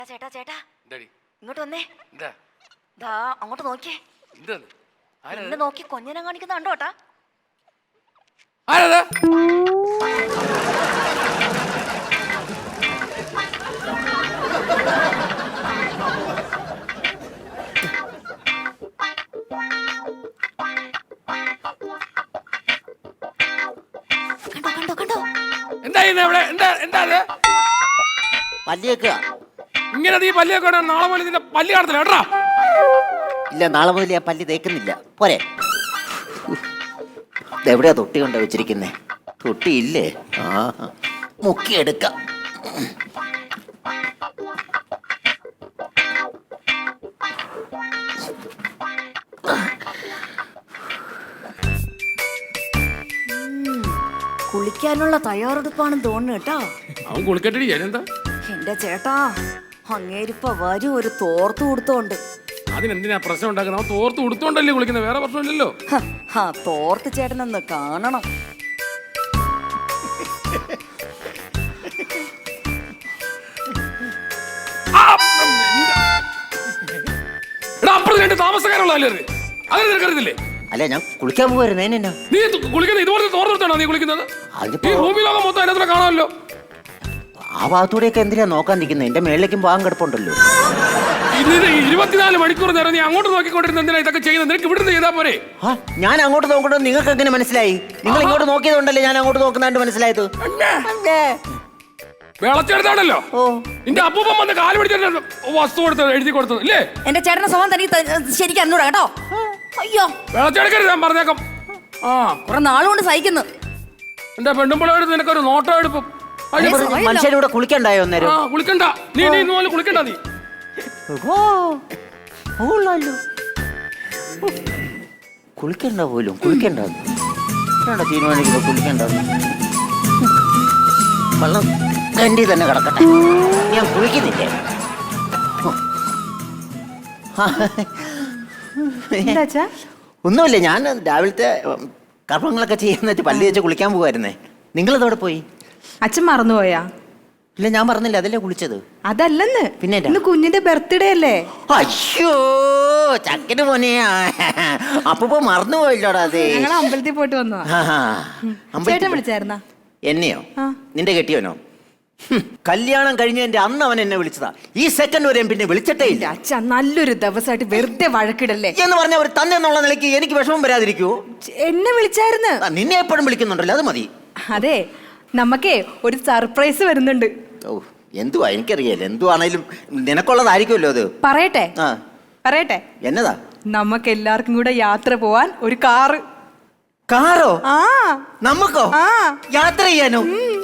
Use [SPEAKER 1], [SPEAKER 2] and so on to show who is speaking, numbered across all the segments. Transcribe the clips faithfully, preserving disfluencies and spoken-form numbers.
[SPEAKER 1] ചേട്ടാ ചേട്ടാ
[SPEAKER 2] എന്താടി
[SPEAKER 1] ഇങ്ങോട്ട് വന്നേ.
[SPEAKER 2] എന്താ
[SPEAKER 1] ദാ അങ്ങോട്ട് നോക്കിയേ.
[SPEAKER 2] എന്താണ്
[SPEAKER 1] എന്നെ നോക്കി കൊഞ്ഞനം കാണിക്കുന്ന കണ്ടോട്ടാ.
[SPEAKER 2] ആരത്?
[SPEAKER 1] കണ്ടോ കണ്ടോ കണ്ടോ.
[SPEAKER 2] എന്താ ചെയ്യുന്നത് ഇവിടെ? എന്താ എന്താ അത്?
[SPEAKER 3] പല്ലിയൊക്കെ
[SPEAKER 2] ഇങ്ങനെ നീ പല്ലിയൊക്കെ ഇടാൻ നാളെ മുതൽ നിന്റെ പല്ലി കാണത്തില്ല കേട്ടാ.
[SPEAKER 3] ഇല്ല, നാളെ മുതൽ ഞാൻ പല്ലി തേക്കുന്നില്ല. പോരെ, എവിടെയാ തൊട്ടി കൊണ്ട വെച്ചിരിക്കുന്നേ? തൊട്ടി ഇല്ലേ? ആ, മുക്കിയെടുക്കാം.
[SPEAKER 1] കുളിക്കാനുള്ള തയ്യാറെടുപ്പാണെന്ന് തോന്നുന്നു കേട്ടോ.
[SPEAKER 2] അവൻ കുളിക്കട്ടടി. എന്താ
[SPEAKER 1] എന്റെ ചേട്ടാ, അങ്ങേരിപ്പ വരും ഒരു തോർത്ത് കൊടുത്തോണ്ട്.
[SPEAKER 2] അതിനെന്തിനാ പ്രശ്നം ഉണ്ടാക്കുന്നത്? അവൻ തോർത്ത് ഉടുത്തോണ്ടല്ലേ കുളിക്കുന്നത്, വേറെ പ്രശ്നമില്ലല്ലോ.
[SPEAKER 1] ആ തോർത്ത് ചേട്ടനൊന്ന് കാണണം.
[SPEAKER 2] അപ്പുറത്ത് രണ്ട് താമസക്കാരുള്ളതല്ലേ അങ്ങനെ നിനക്കറിയത്തില്ലേ?
[SPEAKER 3] അല്ല, ഞാൻ കുളിക്കാൻ പോവായിരുന്നു. എന്നാ
[SPEAKER 2] നീ കുളിക്കുന്നത് ഇതുപോലത്തെ തോർത്തെടുത്താണോ നീ കുളിക്കുന്നത്? ഈ ഭൂമി ലോകം മൊത്തം അതിനകത്ത് കാണാമല്ലോ.
[SPEAKER 3] ആ ഭാഗത്തൂടെയൊക്കെ എന്തിനാ നോക്കാൻ നിൽക്കുന്നത്? എന്റെ മേളിലേക്കും പോകാൻ കിടപ്പുണ്ടല്ലോ.
[SPEAKER 2] ഇതിന് ഇരുപത്തിനാല് മണിക്കൂർ നേരം നീ അങ്ങോട്ട് നോക്കിക്കൊണ്ടിരുന്ന എന്തിനാ ഇതൊക്കെ ചെയ്യുന്നത്? നിനക്ക് ഇവിടുന്ന് ചെയ്താൽ പോരെ?
[SPEAKER 3] ഞാൻ അങ്ങോട്ട് നോക്കണമെന്ന് നിങ്ങൾക്ക് എങ്ങനെ മനസ്സിലായി? നിങ്ങൾ ഇങ്ങോട്ട് നോക്കിയതുകൊണ്ടല്ലേ ഞാൻ അങ്ങോട്ട് നോക്കുന്നതായിട്ട് മനസ്സിലായത്.
[SPEAKER 2] വിളച്ചെടുത്താണല്ലോ
[SPEAKER 3] ഓ,
[SPEAKER 2] നിന്റെ അപ്പൂപ്പൻ വന്ന് കാല് പിടിച്ചിട്ട് വസ്തു കൊടുത്തത് എഴുതി കൊടുത്തത് ഇല്ലേ?
[SPEAKER 1] എന്റെ ചേട്ടന്റെ സ്വഭാവം തനിക്ക് ശരിക്കും അറിഞ്ഞൂടാ കേട്ടോ. അയ്യോ,
[SPEAKER 2] വിളച്ചെടുക്കരുത്, ഞാൻ പറഞ്ഞേക്കാം. ആ
[SPEAKER 1] കുറെ നാളുകൊണ്ട് സഹിക്കുന്നു.
[SPEAKER 2] എന്റെ പെണ്ണുമ്പിളെടുത്ത് നിനക്കൊരു നോട്ടം എടുപ്പും.
[SPEAKER 3] മനുഷ്യരൂടെ കുളിക്കണ്ടായോ
[SPEAKER 2] ആ
[SPEAKER 3] അന്നേരം?
[SPEAKER 2] കുളിക്കണ്ട, നീ നീ ഇന്നുപോലെ കുളിക്കണ്ട. നീ
[SPEAKER 3] ഓ, ഓളല്ലോ. കുളിക്കണ്ട പോലും, കുളിക്കണ്ട തീരുമാനിക്കുന്നത്. കുളിക്കണ്ട, വെള്ളം കണ്ടി തന്നെ കിടക്കട്ടെ. ഞാൻ കുളിക്കുന്നില്ലേ? ഒന്നുമില്ല, ഞാൻ രാവിലത്തെ കർമ്മങ്ങളൊക്കെ ചെയ്യുന്നിട്ട് പല്ല് വെച്ച് കുളിക്കാൻ പോകുമായിരുന്നേ. നിങ്ങളതോടെ പോയി?
[SPEAKER 4] അച്ഛൻ മറന്നുപോയാ?
[SPEAKER 3] ഇല്ല, ഞാൻ പറഞ്ഞില്ല, അതല്ലേ കുളിച്ചത്.
[SPEAKER 4] അതല്ലെന്ന്,
[SPEAKER 3] പിന്നെ
[SPEAKER 4] ഇന്ന് കുഞ്ഞിന്റെ ബർത്ത്ഡേ അല്ലേ?
[SPEAKER 3] അയ്യോ, ചക്കന് മോനെ, അപ്പൊ മറന്നുപോയില്ലോടാ. അതെ,
[SPEAKER 4] ഞങ്ങൾ അമ്പലത്തിൽ പോയിട്ട് വന്നതാ. ചേട്ടൻ വിളിച്ചായിരുന്നാ?
[SPEAKER 3] എന്നെയോ? നിന്റെ കെട്ടിയോനോ? കല്യാണം കഴിഞ്ഞതിന്റെ അന്ന് അവൻ എന്നെ വിളിച്ചതാ. ഈ സെക്കൻഡ് വരെയും പിന്നെ വിളിച്ചിട്ടേ ഇല്ല.
[SPEAKER 4] അച്ഛാ, നല്ലൊരു ദിവസമായിട്ട് വെറുതെ വഴക്കിടല്ലേ
[SPEAKER 3] എന്ന് പറഞ്ഞ ഒരു തന്നെ എന്നുള്ള നിലയ്ക്ക് എനിക്ക് വിഷമം വരാതിരിക്കുവോ?
[SPEAKER 4] എന്നെ വിളിച്ചായിരുന്നു.
[SPEAKER 3] നിന്നെ എപ്പോഴും വിളിക്കുന്നുണ്ടല്ലോ, അത് മതി.
[SPEAKER 4] അതെ, നമുക്കേ ഒരു സർപ്രൈസ് വരുന്നുണ്ട്.
[SPEAKER 3] ഓ, എന്തുവാ? എനിക്കറിയാലോ, എന്തുവാണേലും നിനക്കുള്ളതായിരിക്കുമല്ലോ അത്.
[SPEAKER 4] പറയട്ടെ
[SPEAKER 3] ആ,
[SPEAKER 4] പറയട്ടെ
[SPEAKER 3] എന്നതാ?
[SPEAKER 4] നമുക്ക് എല്ലാവർക്കും കൂടെ യാത്ര പോവാൻ ഒരു കാറ്.
[SPEAKER 3] കാറോ?
[SPEAKER 4] ആ,
[SPEAKER 3] നമുക്കോ?
[SPEAKER 4] ആ,
[SPEAKER 3] യാത്ര ചെയ്യാനോ?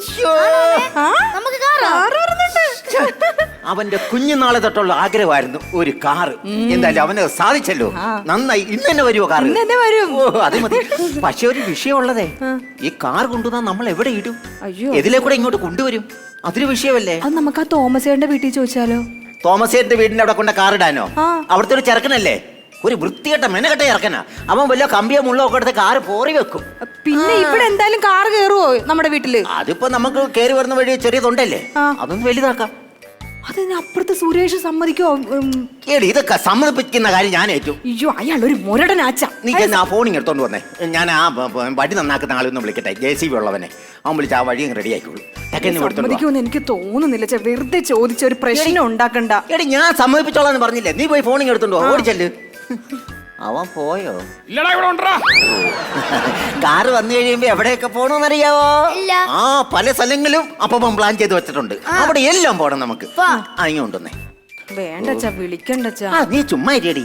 [SPEAKER 1] നമുക്ക് കാറ്
[SPEAKER 4] വരുന്നുണ്ട്.
[SPEAKER 3] അവന്റെ കുഞ്ഞുനാളെ തൊട്ടുള്ള ആഗ്രഹമായിരുന്നു ഒരു കാറ്. എന്തായാലും അവന് സാധിച്ചല്ലോ, നന്നായി. ഇന്ന് തന്നെ വരുമോ കാറ്?
[SPEAKER 4] ഇന്ന് തന്നെ വരും.
[SPEAKER 3] ഓ, അത് മതി. പക്ഷെ ഒരു വിഷയമുള്ളതേ, ഈ കാർ കൊണ്ടുവന്നാ നമ്മൾ എവിടെ ഇടും?
[SPEAKER 4] അയ്യോ,
[SPEAKER 3] എതിലെ കൂടെ ഇങ്ങോട്ട് കൊണ്ടുവരും? അതൊരു വിഷയമല്ലേ?
[SPEAKER 4] അത് നമുക്ക് ആ തോമസേന്റെ വീട്ടിൽ ചോദിച്ചാലോ?
[SPEAKER 3] തോമസേന്റെ വീടിന്റെ അവിടെ കൊണ്ട് കാർ ഇടാനോ? അവിടുത്തെ ഒരു ചെറുക്കനല്ലേ, ഒരു വൃത്തികെട്ട മെനകെട്ട ഇറക്കനാ. അവൻ വല്ല കമ്പിയോ മുള്ളോ ഒക്കെ എടുത്ത് കാറ് പോറി വെക്കും.
[SPEAKER 4] പിന്നെ ഇവിടെ എന്തായാലും കാറ് കയറുവോ നമ്മുടെ വീട്ടില്?
[SPEAKER 3] അതിപ്പോ നമുക്ക് കയറി വരുന്ന വഴി ചെറിയതുണ്ടല്ലേ, അതൊന്ന് വലുതാക്കാം.
[SPEAKER 4] അതിനപ്പുറത്ത് സുരേഷ് സമ്മതിക്കോ?
[SPEAKER 3] ഏടി, ഇതൊക്കെ സമ്മതിപ്പിക്കുന്ന കാര്യം ഞാൻ ഏറ്റു.
[SPEAKER 4] അയ്യോ, അയാൾ ഒരു മുരടനാച്ച.
[SPEAKER 3] നീ ആ ഫോണിങ് എടുത്തോണ്ട് വന്നേ. ഞാൻ ആ വടി നന്നാക്കുന്ന ആളൊന്നും വിളിക്കട്ടെ, ജെ സി ബി ഉള്ളവനെ. അവൻ വിളിച്ച് ആ വഴി അങ്ങ് റെഡി ആയിക്കോളൂ.
[SPEAKER 4] സമ്മതിക്കുമെന്ന് എനിക്ക് തോന്നുന്നില്ല. വെറുതെ ചോദിച്ച ഒരു പ്രശ്നം ഉണ്ടാക്കണ്ട.
[SPEAKER 3] എടി, ഞാൻ സമ്മതിപ്പിച്ചോളാന്ന് പറഞ്ഞില്ലേ? നീ പോയി ഫോണിങ് എടുത്തോണ്ട് ഓടിച്ചല്ലേ. അവൻ പോയോ?
[SPEAKER 2] ഇല്ലടാ, ഇവിടെ ഉണ്ടടാ.
[SPEAKER 3] കാറ് വന്നു കഴിയുമ്പോ എവിടെയൊക്കെ പോണോന്നറിയാവോ? ആ, പല സ്ഥലങ്ങളും അപ്പം പ്ലാൻ ചെയ്ത് വെച്ചിട്ടുണ്ട്. അവിടെ എല്ലാം പോണം നമുക്ക്. അങ്ങോട്ടൊന്നേ.
[SPEAKER 4] വേണ്ടച്ചാ, വിളിക്കണ്ടച്ചാ.
[SPEAKER 3] ആ, നീ ചുമ്മാ ഇരിയടി.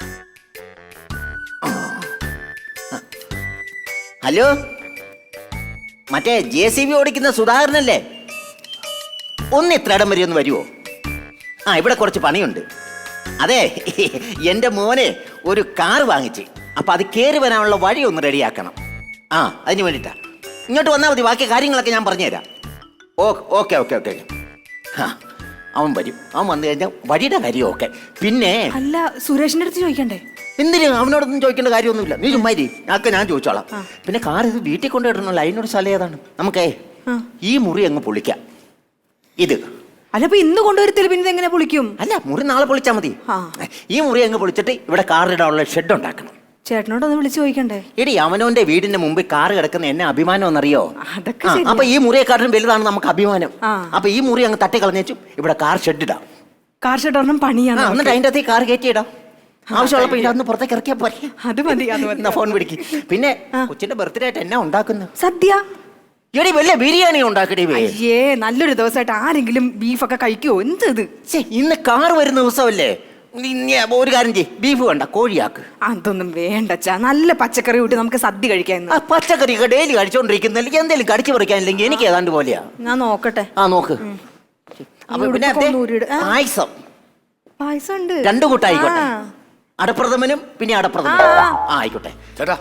[SPEAKER 3] ഹലോ, മറ്റേ ജെ സി ബി ഓടിക്കുന്ന സുധാകരനല്ലേ? ഒന്ന് ഇത്ര ഇടം വരെ ഒന്ന് വരുമോ? ആ, ഇവിടെ കുറച്ച് പണിയുണ്ട്. അതെ, എൻ്റെ മോനെ ഒരു കാർ വാങ്ങിച്ച്, അപ്പൊ അത് കയറി വരാനുള്ള വഴി ഒന്ന് റെഡിയാക്കണം. ആ, അതിന് വേണ്ടിട്ടാ. ഇങ്ങോട്ട് വന്നാൽ മതി, ബാക്കി കാര്യങ്ങളൊക്കെ ഞാൻ പറഞ്ഞുതരാം. ഓ, ഓക്കെ ഓക്കെ ഓക്കെ. ആ, അവൻ വരും. അവൻ വന്നു കഴിഞ്ഞാൽ വഴിയുടെ കാര്യം ഓക്കെ. പിന്നെ
[SPEAKER 4] അല്ല, സുരേഷിന്റെ അടുത്ത് ചോദിക്കണ്ടേ?
[SPEAKER 3] എന്തിനു? അവനോടൊന്നും ചോദിക്കേണ്ട കാര്യമൊന്നുമില്ല. നീ ചുമ്മാരി, ഞാക്കെ ഞാൻ ചോദിച്ചോളാം. പിന്നെ കാർ ഇത് വീട്ടിൽ കൊണ്ടുവരണല്ലോ, അതിനോട് സ്ഥലം ഏതാണ്? നമുക്കേ ഈ മുറി അങ്ങ് പൊളിക്കാം. ഇത്
[SPEAKER 4] അല്ല അപ്പൊ ഇന്ന് കൊണ്ടുവരത്തില്ല പിന്നെ എങ്ങനെ പൊളിക്കും?
[SPEAKER 3] അല്ല, മുറി നാളെ പൊളിച്ചാൽ മതി.
[SPEAKER 4] ആ.
[SPEAKER 3] ഈ മുറി അങ്ങ് പൊളിച്ചിട്ട് ഇവിടെ കാറിടാനുള്ള ഷെഡ് ഉണ്ടാക്കണം.
[SPEAKER 4] ചേട്ടനോടൊന്ന് വിളിച്ചു ചോദിക്കണ്ടേ?
[SPEAKER 3] എടി, അവനവന്റെ വീടിന്റെ മുമ്പിൽ കാറ് കിടക്കുന്ന എന്നെ അഭിമാനം എന്നറിയോ?
[SPEAKER 4] അതൊക്കെ
[SPEAKER 3] ആ,
[SPEAKER 4] ശരിയാ.
[SPEAKER 3] അപ്പൊ ഈ മുറിയെക്കാട്ടിലും വലുതാണ് നമുക്ക് അഭിമാനം.
[SPEAKER 4] ആ.
[SPEAKER 3] അപ്പൊ ഈ മുറി അങ്ങ് തട്ടി കളഞ്ഞേച്ചു ഇവിടെ കാർ ഷെഡ് ഇടാം.
[SPEAKER 4] കാർ ഷെഡൊന്നും പണിയാണ്.
[SPEAKER 3] ആ, എന്നിട്ട് അതിന്റെ അകത്ത് കാർ കയറ്റിയിടാം. ആവശ്യമുള്ളപ്പോ ഇതിനകത്ത് പുറത്തേക്ക് ഇറക്കിയാ പോരെ.
[SPEAKER 4] അത് മതി, അത് മതി.
[SPEAKER 3] എന്നാ ഫോൺ പിടിക്ക്. പിന്നെ കൊച്ചിന്റെ ബർത്ത്ഡേ ആയിട്ട് എന്നാ ഉണ്ടാക്കുന്നു?
[SPEAKER 4] സദ്യ.
[SPEAKER 3] എടി, വലിയ ബിരിയാണി ഉണ്ടാക്കടി.
[SPEAKER 4] അയ്യേ, നല്ലൊരു ദിവസമായിട്ട് ആരെങ്കിലും ബീഫൊക്കെ കഴിക്കുവോ? എന്ത് ഇത്?
[SPEAKER 3] ഛെ, ഇന്ന് കാർ വരുന്ന ദിവസമല്ലേ? ഇനി ഒരു കാര്യം ചെയ്യ്, ബീഫ് വേണ്ട, കോഴിയാക്ക്.
[SPEAKER 4] അതൊന്നും വേണ്ടച്ചാ, നല്ല പച്ചക്കറി കൂട്ടി നമുക്ക് സദ്യ കഴിക്കാൻ.
[SPEAKER 3] ആ പച്ചക്കറി ഡെയിലി കഴിച്ചോണ്ടിരിക്കുന്നില്ല, എന്തെങ്കിലും കടിച്ചു പറിക്കാനില്ലെങ്കിൽ എനിക്ക് ഏതാണ്ട് പോലെയാ.
[SPEAKER 4] ഞാൻ നോക്കട്ടെ.
[SPEAKER 3] ആ നോക്ക്. അപ്പൊ പിന്നെ
[SPEAKER 4] ഉടുപ്പൊക്കെ ഒന്ന് ഊരിയിട്. ആ.
[SPEAKER 3] പായസം
[SPEAKER 4] പായസം ഉണ്ട്.
[SPEAKER 3] രണ്ടു കൂട്ടായിക്കോട്ടെ.
[SPEAKER 4] ആ.
[SPEAKER 3] അടപ്രഥമനും പിന്നെ അടപ്രഥമനും.
[SPEAKER 4] ആ.
[SPEAKER 3] ആ ആയിക്കോട്ടെ.
[SPEAKER 2] ചേട്ടാ,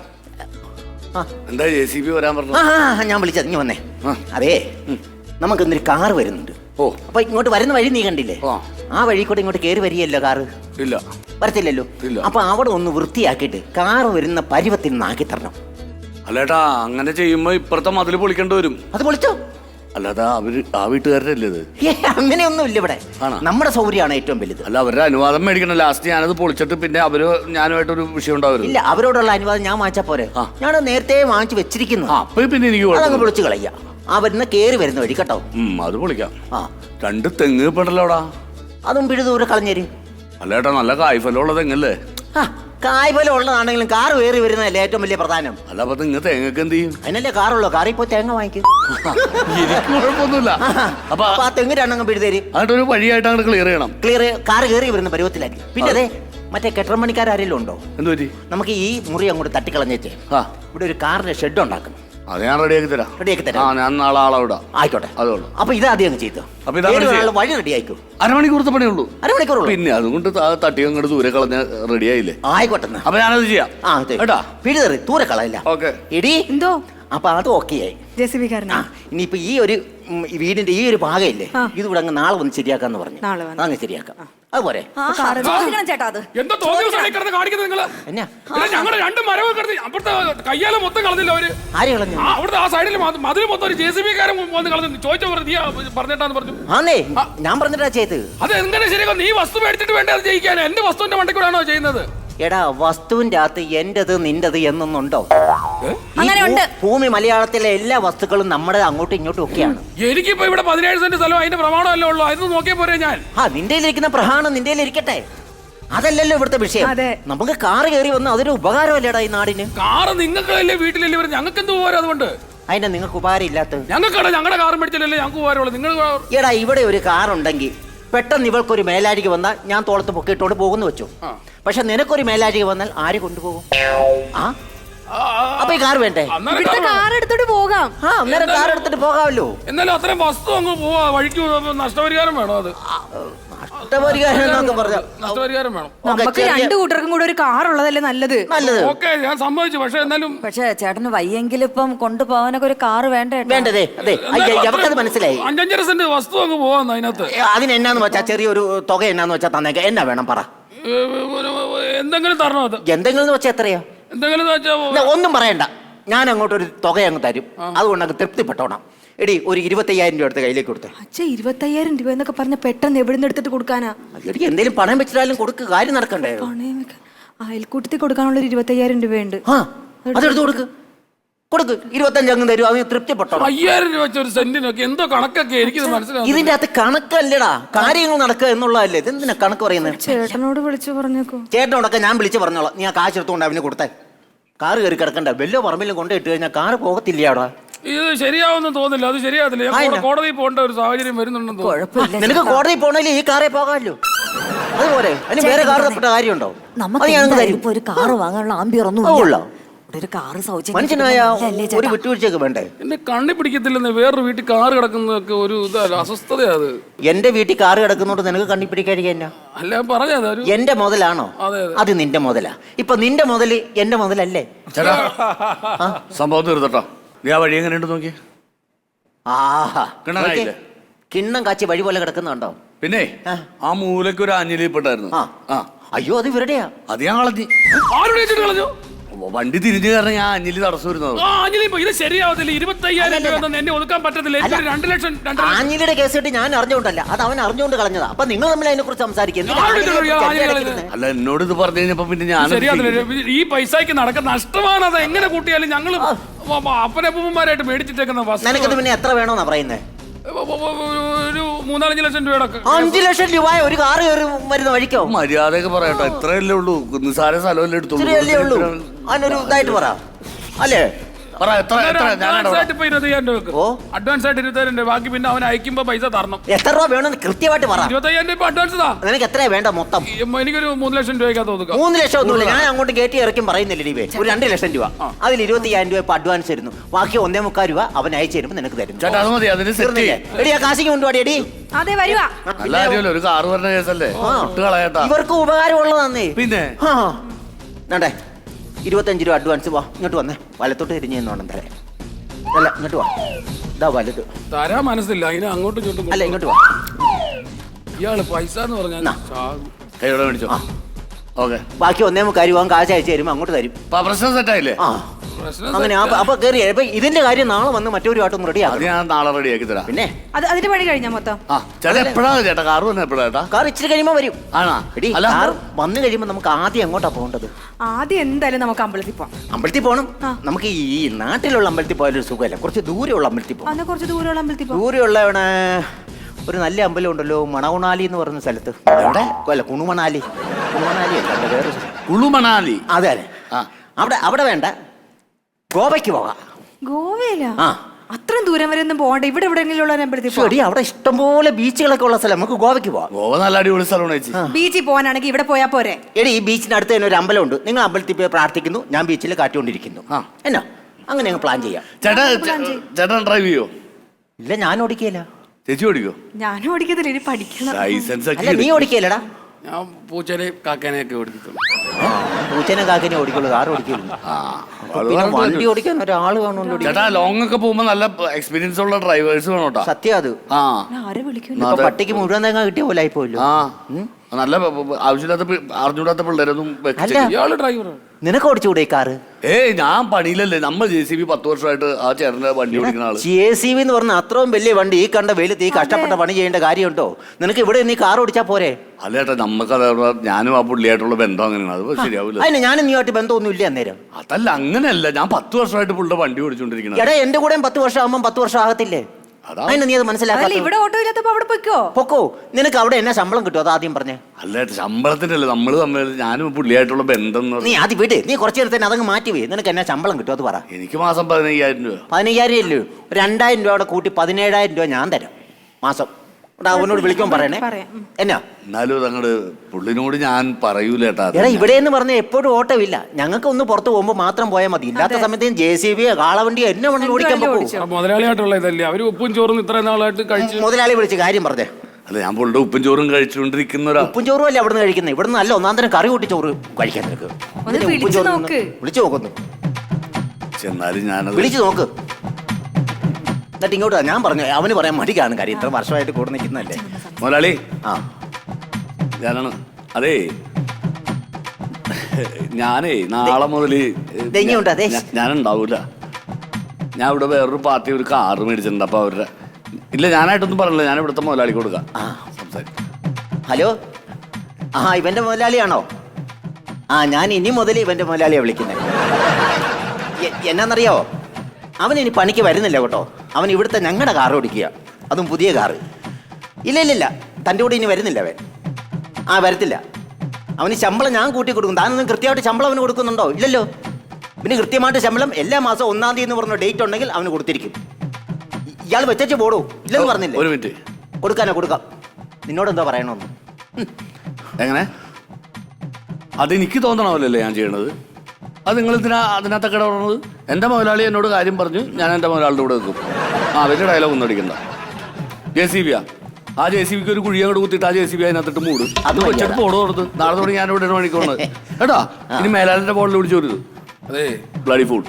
[SPEAKER 3] ആ
[SPEAKER 2] എന്താ ജെ സി ബി വരാൻ പറഞ്ഞു?
[SPEAKER 3] ആ, ആ, ഞാൻ വിളിച്ചത് ഇനി വന്നേ. അതേ, നമുക്ക് ഇന്നൊരു കാറ് വരുന്നുണ്ട്.
[SPEAKER 2] ഓ.
[SPEAKER 3] അപ്പൊ ഇങ്ങോട്ട് വരുന്ന വഴി നീ കണ്ടില്ലേ?
[SPEAKER 2] ആ.
[SPEAKER 3] ആ വഴി കൂടെ ഇങ്ങോട്ട് കയറി വരികയല്ലോ കാറ്?
[SPEAKER 2] ഇല്ല,
[SPEAKER 3] വരത്തില്ലല്ലോ.
[SPEAKER 2] ഇല്ല.
[SPEAKER 3] അപ്പൊ അവിടെ ഒന്ന് വൃത്തിയാക്കിയിട്ട് കാറ് വരുന്ന പരുവത്തിൽ നാക്കി തരണം.
[SPEAKER 2] അല്ലേട്ടാ, അങ്ങനെ ചെയ്യുമ്പോ ഇപ്പുറത്തെ മതില് പൊളിക്കേണ്ടി വരും.
[SPEAKER 3] അത് പൊളിച്ചോ?
[SPEAKER 2] അല്ലാതെ അവര് ആ വീട്ടുകാരല്ലേ ഇത്?
[SPEAKER 3] ഏ, അങ്ങനെയൊന്നും ഇല്ല ഇവിടെ.
[SPEAKER 2] ആണോ?
[SPEAKER 3] നമ്മുടെ സൗകര്യമാണ് ഏറ്റവും വലുത്.
[SPEAKER 2] അല്ല, അവരുടെ അനുവാദം മേടിക്കണം. ലാസ്റ്റ് ഞാനത് പൊളിച്ചിട്ട് പിന്നെ അവര് ഞാനുമായിട്ടൊരു വിഷയം ഉണ്ടാവരുത്.
[SPEAKER 3] ഇല്ല, അവരോടുള്ള അനുവാദം ഞാൻ വാങ്ങിച്ചാ പോരെ?
[SPEAKER 2] ആ.
[SPEAKER 3] ഞാൻ നേരത്തെ വാങ്ങിച്ചു വെച്ചിരിക്കുന്നു.
[SPEAKER 2] ആ, അപ്പൊ പിന്നെ എനിക്ക്
[SPEAKER 3] അതങ്ങ്
[SPEAKER 2] കുഴപ്പമില്ല.
[SPEAKER 3] പൊളിച്ച് കളയ. ആ വരുന്ന കേറി വരുന്ന വഴി കേട്ടോ.
[SPEAKER 2] ഉം, അത് പൊളിക്കാം.
[SPEAKER 3] ആ,
[SPEAKER 2] രണ്ട് തെങ്ങ് പെടല്ലോ അവിടെ.
[SPEAKER 3] അതും പിഴുതൂരെ കളഞ്ഞേര്.
[SPEAKER 2] അല്ലേട്ടാ, നല്ല കായ്ഫലം ഉള്ള തെങ്ങല്ലേ?
[SPEAKER 3] ആ, കായ്ഫലം ഉള്ളതാണെങ്കിലും കാറ് കയറി വരുന്നതല്ലേ ഏറ്റവും വലിയ പ്രധാനം.
[SPEAKER 2] അല്ല, അപ്പൊ തെങ്ങ് തേങ്ങക്ക് എന്ത് ചെയ്യും?
[SPEAKER 3] അതിനല്ലേ കാറുള്ളൂ. കാറിൽ പോയി തേങ്ങ വാങ്ങിക്കും.
[SPEAKER 2] എനിക്ക് കുഴപ്പമൊന്നുമില്ല. അപ്പൊ
[SPEAKER 3] അപ്പൊ ആ തെങ്ങ് രണ്ടെണ്ണം പിഴുതേര്.
[SPEAKER 2] അതിന്റെ ഒരു വഴിയായിട്ട് അങ്ങോട്ട് ക്ലിയർ ചെയ്യണം.
[SPEAKER 3] ക്ലിയർ കാറ് കയറി വരുന്ന പരുവത്തിലാക്കി. പിന്നെ അതെ, മറ്റേ കെട്ടറമണിക്കാരെങ്കിലും ഉണ്ടോ?
[SPEAKER 2] എന്ത് പറ്റി?
[SPEAKER 3] നമുക്ക് ഈ മുറി അങ്ങോട്ട് തട്ടിക്കളഞ്ഞേച്ചേ
[SPEAKER 2] ആ,
[SPEAKER 3] ഇവിടെ ഒരു കാറിന്റെ ഷെഡ് ഉണ്ടാക്കണം.
[SPEAKER 2] അത് ഞാൻ റെഡിയാക്കി തരാം.
[SPEAKER 3] റെഡിയാക്കി
[SPEAKER 2] ആ,
[SPEAKER 3] തരാം.
[SPEAKER 2] ഞാൻ നാളെ ആളെ വിടാം.
[SPEAKER 3] ആയിക്കോട്ടെ.
[SPEAKER 2] അതുള്ളൂ.
[SPEAKER 3] അപ്പൊ ഇത് ആദ്യം അങ്ങ് ചെയ്തോ.
[SPEAKER 2] അപ്പൊ ഇത് അങ്ങോട്ട് ചെയ്യാം.
[SPEAKER 3] വഴി റെഡി ആയിക്കോ.
[SPEAKER 2] അരമണിക്കൂറത്തെ പണിയുള്ളൂ.
[SPEAKER 3] അരമണിക്കൂറുള്ളൂ.
[SPEAKER 2] പിന്നെ അതുകൊണ്ട് തട്ടി അങ്ങോട്ട് ദൂരെ കളഞ്ഞ റെഡി ആയില്ലേ?
[SPEAKER 3] ആയിക്കോട്ടെ എന്നാ.
[SPEAKER 2] അപ്പൊ ഞാനത് ചെയ്യാം.
[SPEAKER 3] ആ
[SPEAKER 2] കേട്ടാ?
[SPEAKER 3] പിഴുതറി ദൂരെ കളയില്ല.
[SPEAKER 2] ഓക്കെ.
[SPEAKER 3] എടി,
[SPEAKER 4] എന്തോ
[SPEAKER 3] അപ്പൊ അത് ഓക്കെ ആയി.
[SPEAKER 4] ജെ സി ബി കാരനാ?
[SPEAKER 3] ആ, ഇനിയിപ്പോ ഈ ഒരു ഉം, ഈ വീടിന്റെ ഈ ഒരു ഭാഗമില്ലേ,
[SPEAKER 4] ആ.
[SPEAKER 3] ഇത് ഇവിടെ അങ്ങ് നാളെ വന്ന് ശരിയാക്കാന്ന് പറഞ്ഞു.
[SPEAKER 4] നാളെ വന്ന്.
[SPEAKER 3] അങ്ങ് ശരിയാക്കാം. അതുപോലെ
[SPEAKER 1] ആ, ചോദിക്കണം ചേട്ടാ അത്.
[SPEAKER 2] എന്താ തോന്നിയ കിടന്ന് കാണിക്കുന്നത് നിങ്ങള്?
[SPEAKER 3] എന്നാ
[SPEAKER 2] ഞങ്ങളുടെ രണ്ട് മരവും കിടന്ന് അപ്പുറത്തെ കയ്യാലെ മൊത്തം കളഞ്ഞില്ല അവര്.
[SPEAKER 3] ആര് കളഞ്ഞു?
[SPEAKER 2] ആ, അവിടുത്തെ ആ സൈഡിൽ മതിൽ മൊത്തം ഒരു ജെ സി ബി കാരൻ വന്ന് കളഞ്ഞു. ചോദിച്ചോ നീ പറഞ്ഞിട്ടാന്ന് പറഞ്ഞു.
[SPEAKER 3] ആന്നേ, ഞാൻ പറഞ്ഞിട്ടാ ചെയ്ത്.
[SPEAKER 2] അത് എങ്ങനെ ശരിയാക്കും? നീ വസ്തു മേടിച്ചിട്ട് വേണ്ടേ അത് ജയിക്കാൻ? എന്റെ വസ്തുവിന്റെ മണ്ടക്കൂടാണോ ചെയ്യുന്നത്?
[SPEAKER 3] എടാ, വസ്തുവിന്റെ അകത്ത് എന്റത് നിന്റത് എന്നൊന്നുണ്ടോ? ഈ
[SPEAKER 1] അങ്ങനെ
[SPEAKER 3] ഭൂ-
[SPEAKER 1] ഉണ്ട്.
[SPEAKER 3] ഭൂമി മലയാളത്തിലെ എല്ലാ വസ്തുക്കളും നമ്മുടെ അങ്ങോട്ടും ഇങ്ങോട്ടും ഒക്കെയാണ്.
[SPEAKER 2] എനിക്കിപ്പോ ഇവിടെ പതിനേഴ് സെന്റ് സ്ഥലം അതിന്റെ പ്രമാണമല്ലേ ഉള്ളൂ. അതൊന്ന് നോക്കിയാ പോരെ ഞാൻ?
[SPEAKER 3] ആ, നിന്റെ ഇരിക്കുന്ന പ്രധാനം നിന്റെ ഇരിക്കട്ടെ. അതല്ലല്ലോ ഇവിടുത്തെ വിഷയം.
[SPEAKER 4] അതെ.
[SPEAKER 3] നമുക്ക് കാറ് കയറി വന്ന് അതൊരു ഉപകാരമല്ലേടാ ഈ നാടിന്.
[SPEAKER 2] കാറ് നിങ്ങൾക്കല്ലേ വീട്ടിലല്ലേ വരും, ഞങ്ങൾക്ക് എന്ത് പോരാ? അതുകൊണ്ട്
[SPEAKER 3] അതിന്റെ നിങ്ങൾക്ക് ഉപകാരം ഇല്ലാത്തത്.
[SPEAKER 2] ഞങ്ങൾക്കാണ് ഞങ്ങളുടെ കാറ് മേടിച്ചില്ലല്ലേ ഞങ്ങൾക്ക് പോരായുള്ളൂ. നിങ്ങൾ
[SPEAKER 3] എടാ, ഇവിടെ ഒരു കാറുണ്ടെങ്കിൽ പെട്ടെന്ന് ഇവൾക്കൊരു മേലാഴിക വന്നാൽ ഞാൻ തോളത്ത് പൊക്കിയിട്ടോണ്ട് പോകുന്നു വെച്ചു. പക്ഷെ നിനക്കൊരു മേലാഴിക വന്നാൽ ആര് കൊണ്ടുപോകും? ആ, അപ്പൊ ഈ കാർ വേണ്ടേ?
[SPEAKER 4] ഇവിടുത്തെ കാർ എടുത്തോണ്ട് പോകാം.
[SPEAKER 3] ആ, അന്നേരം കാർ എടുത്തിട്ട് പോകാമല്ലോ.
[SPEAKER 2] എന്നാലും അത്രയും വസ്തു അങ്ങ് പോവാ വഴിക്ക് നഷ്ടപരിഹാരം വേണം. അത്
[SPEAKER 3] നഷ്ടപരിഹാരം എന്നൊക്കെ പറഞ്ഞ
[SPEAKER 2] നഷ്ടപരിഹാരം വേണം.
[SPEAKER 4] നമുക്ക് രണ്ടു കൂട്ടർക്കും കൂടെ ഒരു കാർ ഉള്ളതല്ലേ നല്ലത്.
[SPEAKER 3] നല്ലത്.
[SPEAKER 2] ഓക്കെ, ഞാൻ സമ്മതിച്ചു. പക്ഷെ എന്നാലും
[SPEAKER 1] പക്ഷെ ചേട്ടന് വയ്യെങ്കിലും ഇപ്പം കൊണ്ടുപോകാനൊക്കെ ഒരു കാറ് വേണ്ട ചേട്ടാ.
[SPEAKER 3] വേണ്ടതേ. അതെ, അയ്യ, അവർക്കത് മനസ്സിലായി.
[SPEAKER 2] അഞ്ചഞ്ചര സെന്റ് വസ്തു അങ്ങ് പോവാന്ന് അതിനകത്ത്.
[SPEAKER 3] ഏ, അതിന് എന്നാന്ന് വെച്ചാ ചെറിയൊരു തുക എന്നാന്ന് വെച്ചാ തന്നേക്ക. എന്നാ വേണം പറ.
[SPEAKER 2] ഏ, ഒരു- എന്തെങ്കിലും തരണോ? അത്
[SPEAKER 3] എന്തെങ്കിലും വെച്ചാ എത്രയാ?
[SPEAKER 2] എന്തെങ്കിലും വെച്ചാ
[SPEAKER 3] ഇല്ല, ഒന്നും പറയണ്ട. ഞാൻ അങ്ങോട്ടൊരു തുക അങ്ങ് തരും. അതുകൊണ്ട് അങ്ങ് തൃപ്തിപ്പെട്ടോണം. എടി, ഒരു ഇരുപത്തയ്യായിരം രൂപ എടുത്ത് കയ്യിലേക്ക് കൊടുത്തേ.
[SPEAKER 4] അച്ഛാ, ഇരുപത്തയ്യായിരം രൂപ എന്നൊക്കെ പറഞ്ഞ പെട്ടെന്ന് എവിടെ നിന്ന് എടുത്തിട്ട് കൊടുക്കാനാ?
[SPEAKER 3] എടി, എന്തേലും പണം വെച്ചിട്ടാലും കൊടുക്ക്, കാര്യം നടക്കണ്ടേ?
[SPEAKER 4] പണയം വെക്കാൻ അയൽക്കൂട്ടത്തിൽ കൊടുക്കാനുള്ള ഒരു ഇരുപത്തയ്യായിരം രൂപയുണ്ട്.
[SPEAKER 3] ആ, അതെടുത്ത് കൊടുക്ക്. കൊടുക്ക്. ഇരുപത്തഞ്ചങ്ങ് തരും. അവന് തൃപ്തിപ്പെട്ടോണം.
[SPEAKER 2] അയ്യായിരം രൂപ വെച്ച ഒരു സെന്റിനൊക്കെ എന്തോ കണക്കൊക്കെ എനിക്കിത് മനസ്സിലാവും.
[SPEAKER 3] ഇതിന്റെ അകത്ത് കണക്കല്ലടാ, കാര്യങ്ങൾ നടക്കുക എന്നുള്ളതല്ലേ. ഇതെന്തിനാ കണക്ക് പറയുന്നത്?
[SPEAKER 4] ചേട്ടനോട് വിളിച്ചു പറഞ്ഞേക്കോ.
[SPEAKER 3] ചേട്ടനോടൊക്കെ ഞാൻ വിളിച്ച് പറഞ്ഞോളാം. നീ ആ കാശ് എടുത്തുകൊണ്ട് അവന് കൊടുത്തേ. കാറ് കയറി കിടക്കണ്ട. വല്ലോ പറമ്പിലും കൊണ്ടിട്ട് കഴിഞ്ഞാൽ കാറ് പോകത്തില്ല അവിടെ.
[SPEAKER 2] ഇത് ശരിയാവുമെന്ന് തോന്നില്ല. അത് ശരിയാകത്തില്ല. ഞാൻ
[SPEAKER 3] ആയില്ല.
[SPEAKER 2] കോടതിയിൽ പോകേണ്ട ഒരു സാഹചര്യം വരുന്നുണ്ടെന്ന് തോന്നുന്നു.
[SPEAKER 1] കുഴപ്പമില്ല
[SPEAKER 3] നിനക്ക്
[SPEAKER 1] ചേട്ടാ.
[SPEAKER 3] കോടതി പോകണമെങ്കിൽ ഈ കാറേ പോകാമല്ലോ. അതുപോലെ അതിന് വേറെ കാറ് തപ്പെട്ട കാര്യമുണ്ടോ?
[SPEAKER 1] നമുക്ക്
[SPEAKER 3] അത് ഞാൻ
[SPEAKER 1] എന്തായാലും
[SPEAKER 3] തരും.
[SPEAKER 1] ഇപ്പൊ ഒരു കാറ് വാങ്ങാനുള്ള ആംബിയർ ഒന്നും
[SPEAKER 3] ഉള്ള
[SPEAKER 1] ഇല്ല. ഇവിടെ ഒരു കാറ് സൗജന്യം
[SPEAKER 3] മനുഷ്യനായ
[SPEAKER 1] കിട്ടുന്നത് നല്ലതല്ലേ
[SPEAKER 3] ഒരു
[SPEAKER 1] ചേട്ടാ?
[SPEAKER 3] വിട്ടുവീഴ്ചയൊക്കെ വേണ്ടേ?
[SPEAKER 2] എന്നെ കണ്ണി പിടിക്കത്തില്ലെന്ന് വേറൊരു വീട്ടിൽ കാറ് കിടക്കുന്നതൊക്കെ ഒരു ഇതല്ല, അസ്വസ്ഥതയാ അത്.
[SPEAKER 3] എന്റെ വീട്ടിൽ കാറ് കിടക്കുന്നോണ്ട് നിനക്ക് കണ്ണിപ്പിടിക്കാതിരിക്കാൻ എന്നാ?
[SPEAKER 2] അല്ല, പറഞ്ഞത് ഒരു
[SPEAKER 3] എന്റെ മുതലാണോ?
[SPEAKER 2] അതെ, അതെ.
[SPEAKER 3] അത് നിന്റെ മുതലാ. ഇപ്പൊ നിന്റെ മുതല് എന്റെ മുതലല്ലേ?
[SPEAKER 2] ചേട്ടാ, സംഭവം തീർത്തട്ടോ. നീ ആ വഴി എങ്ങനെയുണ്ട് നോക്കി.
[SPEAKER 3] ആഹാ,
[SPEAKER 2] കിണ്ണം
[SPEAKER 3] നോക്കിയേ.
[SPEAKER 2] കായില്ലേ?
[SPEAKER 3] കിണ്ണം കാച്ചി വഴി പോലെ കിടക്കുന്നുണ്ടോ?
[SPEAKER 2] പിന്നെ
[SPEAKER 3] ആ.
[SPEAKER 2] ആ മൂലയ്ക്ക് ഒരു അഞ്ഞലിപ്പെട്ടായിരുന്നു.
[SPEAKER 3] ആ.
[SPEAKER 2] ആ,
[SPEAKER 3] അയ്യോ, അത് ഇവരുടെയാ.
[SPEAKER 2] അത് ഞാൻ കളഞ്ഞു. ആരുടെ വെച്ചിട്ട് കളഞ്ഞു?
[SPEAKER 5] വണ്ടി തിരിഞ്ഞു കാരണം ഞാൻ അഞ്ഞില് തടസ്സം വരുന്നത്.
[SPEAKER 2] ആ അഞ്ജലി ഇപ്പൊ ഇത് ശരിയാവത്തില്ല. ഇരുപത്തി അയ്യായിരം രൂപ ഒന്നും എന്നെ ഒതുക്കാൻ പറ്റത്തില്ല. എനിക്ക് രണ്ട് ലക്ഷം രണ്ട് ലക്ഷം
[SPEAKER 3] ആഞ്ഞിലിയുടെ കേസ് കിട്ടി ഞാൻ അറിഞ്ഞുകൊണ്ടല്ല, അത് അവൻ അറിഞ്ഞുകൊണ്ട് കളഞ്ഞതാ. അപ്പൊ നിങ്ങൾ തമ്മിൽ അതിനെ കുറിച്ച് സംസാരിക്കുന്നത്
[SPEAKER 5] അല്ല എന്നോട് ഇത് പറഞ്ഞു കഴിഞ്ഞപ്പോ പിന്നെ ഞാൻ
[SPEAKER 2] ശരിയാവില്ല. ഈ പൈസക്ക് നടക്കുന്ന നഷ്ടമാണ്. അത് എങ്ങനെ കൂട്ടിയാലും ഞങ്ങള് അപ്പനപ്പന്മാരായിട്ട് മേടിച്ചിട്ടേക്കുന്ന ബസ്
[SPEAKER 3] നിനക്കത് പിന്നെ എത്ര വേണോന്നാ പറയുന്നത്?
[SPEAKER 2] ഒരു മൂന്നാലഞ്ച് ലക്ഷം രൂപയുടെ
[SPEAKER 3] അഞ്ചു ലക്ഷം രൂപ ഒരു കാറ് കയറി വരുന്ന വഴിക്കോ?
[SPEAKER 5] മര്യാദയൊക്കെ പറയട്ടോ, ഇത്രയല്ലേ ഉള്ളൂ, നിസ്സാര സ്ഥലമല്ലേ എടുത്തുള്ളൂ.
[SPEAKER 3] ഇത്രയല്ലേ ഉള്ളൂ, അതിനൊരു ഇതായിട്ട് പറ അല്ലേ?
[SPEAKER 5] പറ എത്ര എത്ര
[SPEAKER 2] അഡ്വാൻസ് ആയിട്ട് ഇപ്പൊ ഇരുപത്തയ്യായിരം രൂപ
[SPEAKER 3] ഓ
[SPEAKER 2] അഡ്വാൻസ് ആയിട്ട് ഇരുപത്തയ്യായിരം രൂപ ബാക്കി പിന്നെ അവൻ അയക്കുമ്പോ പൈസ തരണം.
[SPEAKER 3] എത്ര രൂപ വേണമെന്ന് കൃത്യമായിട്ട് പറ.
[SPEAKER 2] ഇരുപത്തയ്യായിരം രൂപ അഡ്വാൻസ് താ.
[SPEAKER 3] നിനക്ക് എത്രയാ വേണ്ട മൊത്തം?
[SPEAKER 2] എനിക്കൊരു മൂന്ന് ലക്ഷം രൂപയ്ക്കകത്ത് ഒതുക്കാം.
[SPEAKER 3] മൂന്ന് ലക്ഷം ഒന്നുമില്ല, ഞാൻ അങ്ങോട്ട് കയറ്റി ഇറക്കും പറയുന്നില്ല ഡീവേ. ഒരു രണ്ട് ലക്ഷം രൂപ, അതിൽ ഇരുപത്തി അയ്യായിരം രൂപ ഇപ്പൊ അഡ്വാൻസ് തരുന്നു, ബാക്കി ഒന്നേ മുക്കാൽ രൂപ അവൻ അയച്ചു തരുമ്പോ നിനക്ക് തരുന്നു.
[SPEAKER 5] ചേട്ടാ അത് മതി, അതിന് സെറ്റ്
[SPEAKER 3] എടി ആ കാശിക്ക് കൊണ്ടുപോടി എടി.
[SPEAKER 4] അതെ വരുവാ.
[SPEAKER 5] നല്ല കാര്യമല്ലോ, ഒരു കാറ് പറഞ്ഞ കേസല്ലേ, വിട്ട് കളയട്ടാ.
[SPEAKER 3] ഇവർക്ക് ഉപകാരമുള്ളതാന്നേ.
[SPEAKER 5] പിന്നെ
[SPEAKER 3] വേണ്ടേ ഇരുപത്തഞ്ച് രൂപ അഡ്വാൻസ്. വാ ഇങ്ങോട്ട് വന്നേ, വലത്തോട്ട് തിരിഞ്ഞു നിന്നോണം തരേ. അല്ല ഇങ്ങോട്ട് വാ, ഇതാ വലുത്
[SPEAKER 2] തരാ മനസ്സില്ല. അതിന് അങ്ങോട്ടും ഇങ്ങോട്ടും
[SPEAKER 3] അല്ല ഇങ്ങോട്ട് വാ.
[SPEAKER 2] ഇയാള് പൈസ എന്ന് പറഞ്ഞാൽ
[SPEAKER 5] കൈയോടെ മേടിച്ചോ. ഓക്കെ,
[SPEAKER 3] ബാക്കി ഒന്നേ മുക്കാൽ രൂപ കാശ് അയച്ചു തരുമ്പോ അങ്ങോട്ട് തരും.
[SPEAKER 5] പ്രശ്നം സെറ്റായില്ലേ?
[SPEAKER 3] ആ അങ്ങനെ അപ്പൊ കയറി അപ്പൊ ഇതിന്റെ കാര്യം നാളെ വന്ന് മറ്റൊരു ആട്ടും റെഡി
[SPEAKER 5] അത് ഞാൻ നാളെ റെഡിയാക്കി തരാം.
[SPEAKER 3] പിന്നെ
[SPEAKER 4] അത് അതിന്റെ പണി കഴിഞ്ഞാ മൊത്തം.
[SPEAKER 5] ആ ചേട്ടാ എപ്പോഴാണ് ചേട്ടാ കാറ് വന്നെ? എപ്പോഴാ ചേട്ടാ?
[SPEAKER 3] കാർ ഇച്ചിരി കഴിയുമ്പോ വരും.
[SPEAKER 5] ആണോ?
[SPEAKER 3] എടി കാർ വന്നു കഴിയുമ്പോ നമുക്ക് ആദ്യം എങ്ങോട്ടാ പോകേണ്ടത്?
[SPEAKER 4] ആദ്യം എന്തായാലും നമുക്ക് അമ്പലത്തിൽ പോവാം.
[SPEAKER 3] അമ്പലത്തിൽ പോകണം. നമുക്ക് ഈ നാട്ടിലുള്ള അമ്പലത്തിൽ പോയാലൊരു സുഖമല്ല, കുറച്ച് ദൂരെയുള്ള അമ്പലത്തിൽ പോകണം.
[SPEAKER 4] അന്ന് കുറച്ച് ദൂരമുള്ള അമ്പലത്തിൽ പോവാം.
[SPEAKER 3] ദൂരെയുള്ള ഇവിടെ ഒരു നല്ല അമ്പലം ഉണ്ടല്ലോ, മണകുണാലി എന്ന് പറയുന്ന സ്ഥലത്ത്. അവിടെ അല്ല കുണുമണാലി, കുണുമണാലി അല്ല അവിടെ വേറെ
[SPEAKER 5] കുളുമണാലി.
[SPEAKER 3] അതെ അതെ, അവിടെ അവിടെ വേണ്ട, ഗോവയ്ക്ക് പോകാം.
[SPEAKER 4] ഗോവയില?
[SPEAKER 3] ആ
[SPEAKER 4] അത്രയും ദൂരം വരെ ഒന്നും പോകണ്ട, ഇവിടെ എവിടെയെങ്കിലും ഉള്ള അമ്പലത്തിൽ
[SPEAKER 3] ശരി. അവിടെ ഇഷ്ടംപോലെ ബീച്ചുകളൊക്കെ ഉള്ള സ്ഥലം, നമുക്ക് ഗോവയ്ക്ക് പോവാം.
[SPEAKER 5] ഗോവ നല്ല അടിപൊളി സ്ഥലമാണ് ചേച്ചി.
[SPEAKER 4] ബീച്ചിൽ പോകാനാണെങ്കിൽ ഇവിടെ പോയാ പോരെ?
[SPEAKER 3] എടി ഈ ബീച്ചിന് അടുത്ത് തന്നെ ഒരു അമ്പലമുണ്ട്, നിങ്ങൾ അമ്പലത്തിൽ പോയി പ്രാർത്ഥിക്കുന്നു, ഞാൻ ബീച്ചിൽ കാറ്റുകൊണ്ടിരിക്കുന്നു.
[SPEAKER 5] ആ
[SPEAKER 3] എന്നാ അങ്ങനെ ഞങ്ങൾ പ്ലാൻ ചെയ്യാം.
[SPEAKER 5] ചേട്ടാ ചേട്ടൻ ഡ്രൈവ് ചെയ്യോ?
[SPEAKER 3] ഇല്ല ഞാൻ ഓടിക്കല.
[SPEAKER 5] ചേച്ചി ഓടിക്കോ?
[SPEAKER 4] ഞാനും ഓടിക്കത്തില്ല, ഇനി പഠിക്കണം.
[SPEAKER 5] ലൈസൻസ്
[SPEAKER 3] അല്ല നീ ഓടിക്കലടാ?
[SPEAKER 2] ഞാൻ പൂച്ചനെ കാക്കാനെയൊക്കെ ഓടിച്ചിട്ടുണ്ട്.
[SPEAKER 3] പൂച്ചനെ കാക്കനെ ഓടിക്കുള്ളൂ, കാർ ഓടിക്കുള്ളൂ. പിന്നെ വണ്ടി ഓടിക്കാൻ ഒരാള് കാണുമല്ലോ.
[SPEAKER 5] ചേട്ടാ ലോങ് ഒക്കെ പോകുമ്പോ നല്ല എക്സ്പീരിയൻസ് ഉള്ള ഡ്രൈവേഴ്സ് വേണോട്ടാ.
[SPEAKER 3] സത്യം അത്.
[SPEAKER 5] ആ
[SPEAKER 4] ആരെ വിളിക്കും?
[SPEAKER 3] പട്ടിക്ക് മുഴുവൻ തേങ്ങ കിട്ടിയ പോലെ ആയിപ്പോല്ലോ.
[SPEAKER 5] ആ നല്ല ആവശ്യമില്ലാത്ത അറിഞ്ഞൂടാത്ത പിള്ളേരൊന്നും
[SPEAKER 2] ഇയാള് ഡ്രൈവർ.
[SPEAKER 3] നിനക്ക് ഓടിച്ചുകൂടെ ഈ കാറ്?
[SPEAKER 5] ഏയ് ഞാൻ പണിയിലല്ലേ, നമ്മൾ ജെ സി ബി പത്ത് വർഷമായിട്ട് ആ ചേട്ടന്റെ വണ്ടി ഓടിക്കുന്ന ആള്.
[SPEAKER 3] ജെ സി ബി എന്ന് പറഞ്ഞ അത്രയും വലിയ വണ്ടി ഈ കണ്ട വെയിലത്ത് ഈ കഷ്ടപ്പെട്ട പണി ചെയ്യേണ്ട കാര്യമുണ്ടോ? നിനക്ക് ഇവിടെ നീ കാർ ഓടിച്ചാ പോരെ?
[SPEAKER 5] അല്ല ചേട്ടാ നമുക്ക് അത് ഞാനും ആ പുള്ളിയായിട്ടുള്ള ബന്ധം അങ്ങനെയാണ്, അത് ശരിയാവില്ല.
[SPEAKER 3] അതിന് ഞാനും നീയായിട്ട് ബന്ധമൊന്നും ഇല്ല അന്നേരം.
[SPEAKER 5] അതല്ല അങ്ങനെയല്ല, ഞാൻ പത്ത് വർഷമായിട്ട് പുള്ളിയുടെ വണ്ടി ഓടിച്ചോണ്ടിരിക്കുന്നത്.
[SPEAKER 3] എടാ എന്റെ കൂടെ പത്ത് വർഷം ആകുമ്പോൾ പത്ത് വർഷം ആകത്തില്ലേ? അതിന് നീ അത് മനസ്സിലാക്കാം.
[SPEAKER 4] ഇവിടെ ഓട്ടോ ഇല്ലാത്തപ്പോ അവിടെ പോയിക്കോ.
[SPEAKER 3] പൊക്കോ, നിനക്ക് അവിടെ എന്നാ ശമ്പളം കിട്ടും? അത് ആദ്യം പറഞ്ഞേ.
[SPEAKER 5] അല്ല ശമ്പളത്തിനല്ലേ, നമ്മള് തമ്മിൽ ഞാനും പുള്ളിയായിട്ടുള്ള ബന്ധം.
[SPEAKER 3] നീ ആദ്യം വിട്, നീ കുറച്ചു നേരത്തെ അതങ്ങ് മാറ്റി പോയി. നിനക്ക് എന്നാ ശമ്പളം കിട്ടും അത് പറ.
[SPEAKER 5] എനിക്ക് മാസം പതിനയ്യായിരം രൂപ.
[SPEAKER 3] പതിനയ്യായിരം ഇല്ലയോ? രണ്ടായിരം രൂപ അവിടെ കൂട്ടി പതിനേഴായിരം രൂപ ഞാൻ തരാം മാസം. അവനോട് വിളിക്കാൻ പറയണേ. എന്നാ
[SPEAKER 5] എന്നാലും അതങ്ങട് പുള്ളിനോട് ഞാൻ പറയൂലേട്ടാ.
[SPEAKER 3] എടാ ഇവിടെ എന്ന് പറഞ്ഞാൽ എപ്പോഴും ഓട്ടമില്ല, ഞങ്ങൾക്ക് ഒന്ന് പുറത്ത് പോകുമ്പോൾ മാത്രം പോയാൽ മതി. ഇല്ലാത്ത സമയത്ത് ജെ സി ബിയോ കാളവണ്ടിയോ എന്നെ വേണമെങ്കിൽ ഓടിക്കാൻ പോകും.
[SPEAKER 2] മുതലാളിയായിട്ടുള്ള ഇതല്ലേ, അവര് ഉപ്പും ചോറും ഇത്രയും നാളായിട്ട് കഴിച്ചു.
[SPEAKER 3] മുതലാളി വിളിച്ച് കാര്യം പറഞ്ഞേ.
[SPEAKER 5] അല്ല ഞാൻ പുള്ളിയുടെ ഉപ്പും ചോറും കഴിച്ചുകൊണ്ടിരിക്കുന്ന ഒരാ.
[SPEAKER 3] ഉപ്പും ചോറും അല്ലേ അവിടെ നിന്ന് കഴിക്കുന്നത്, ഇവിടെ നല്ല ഒന്നാം തരം കറി കൂട്ടി ചോറ് കഴിക്കാൻ നിനക്ക്. വിളിച്ചു നോക്കുന്നു,
[SPEAKER 5] ചെന്നാലും ഞാനത്
[SPEAKER 3] വിളിച്ചു നോക്ക്. എന്നിട്ട് ഇങ്ങോട്ട് ഞാൻ പറഞ്ഞു, അവന് പറയാൻ മടിക്കാണ് കാര്യം, ഇത്ര വർഷമായിട്ട് കൂടെ നിൽക്കുന്നല്ലേ.
[SPEAKER 5] മുതലാളി
[SPEAKER 3] ആ
[SPEAKER 5] ഞാനാണ്. അതേ ഞാനേ നാളെ മുതല് ഞാൻ ഉണ്ടാവൂല. ഞാൻ ഇവിടെ വേറൊരു പാർട്ടി ഒരു കാറ് മേടിച്ചിട്ടുണ്ട്, അപ്പൊ അവരുടെ ഇല്ല ഞാനായിട്ടൊന്നും പറഞ്ഞില്ല, ഞാൻ ഇവിടുത്തെ മുതലാളി കൊടുക്കാം.
[SPEAKER 3] ആ
[SPEAKER 5] സംസാരിക്കും.
[SPEAKER 3] ഹലോ, ആ ഇവന്റെ മുതലാളിയാണോ? ആ ഞാൻ ഇനി മുതൽ ഇവന്റെ മുതലാളിയാണ് വിളിക്കുന്നത്. എന്നാന്നറിയോ, അവൻ ഇനി പണിക്ക് വരുന്നില്ല കേട്ടോ. അവൻ ഇവിടുത്തെ ഞങ്ങളുടെ കാർ ഓടിക്കുക, അതും പുതിയ കാറ്. ഇല്ല ഇല്ല ഇല്ല തൻ്റെ കൂടെ ഇനി വരുന്നില്ല അവൻ. ആ വരത്തില്ല. അവന് ശമ്പളം ഞാൻ കൂട്ടി കൊടുക്കും. താനൊന്നും കൃത്യമായിട്ട് ശമ്പളം അവന് കൊടുക്കുന്നുണ്ടോ? ഇല്ലല്ലോ. പിന്നെ കൃത്യമായിട്ട് ശമ്പളം എല്ലാ മാസവും ഒന്നാം തീയതി എന്ന് പറഞ്ഞ ഡേറ്റ് ഉണ്ടെങ്കിൽ അവന് കൊടുത്തിരിക്കും. ഇയാൾ വെച്ചു പോടൂ. ഇല്ലെന്ന് പറഞ്ഞില്ല.
[SPEAKER 5] ഒരു മിനിറ്റ്
[SPEAKER 3] കൊടുക്കാനോ കൊടുക്കാം. നിന്നോട് എന്താ പറയണമെന്ന്?
[SPEAKER 5] എങ്ങനെ? അതെനിക്ക് തോന്നണമല്ലേ ഞാൻ ചെയ്യണത്? അത് നിങ്ങൾ ഇതിനാ അതിനകത്തൊക്കെ പറഞ്ഞത്? എൻ്റെ മുതലാളി എന്നോട് കാര്യം പറഞ്ഞു, ഞാൻ എൻ്റെ മുതലാളിയുടെ കൂടെ വെക്കും. ആ വലിയ ഡയലോഗ് ഒന്നും അടിക്കണ്ട. ജെ സി ബിയാ, ആ ജെ സി ബിക്ക് ഒരു കുഴി അങ്ങോട്ട് കുത്തിയിട്ട് ആ ജെ സി ബി അതിനകത്തിട്ട് മൂട്. അത് വെച്ചിട്ട് പോട് കൊടുത്ത് നാളെ തുടങ്ങി ഞാൻ ഇവിടെ മണിക്കൂറിന് കേട്ടോ. ഇനി മേലാളിന്റെ ബോളിൽ വിളിച്ചു വരുത്.
[SPEAKER 2] അതെ
[SPEAKER 5] ബ്ലഡി ഫുഡ്.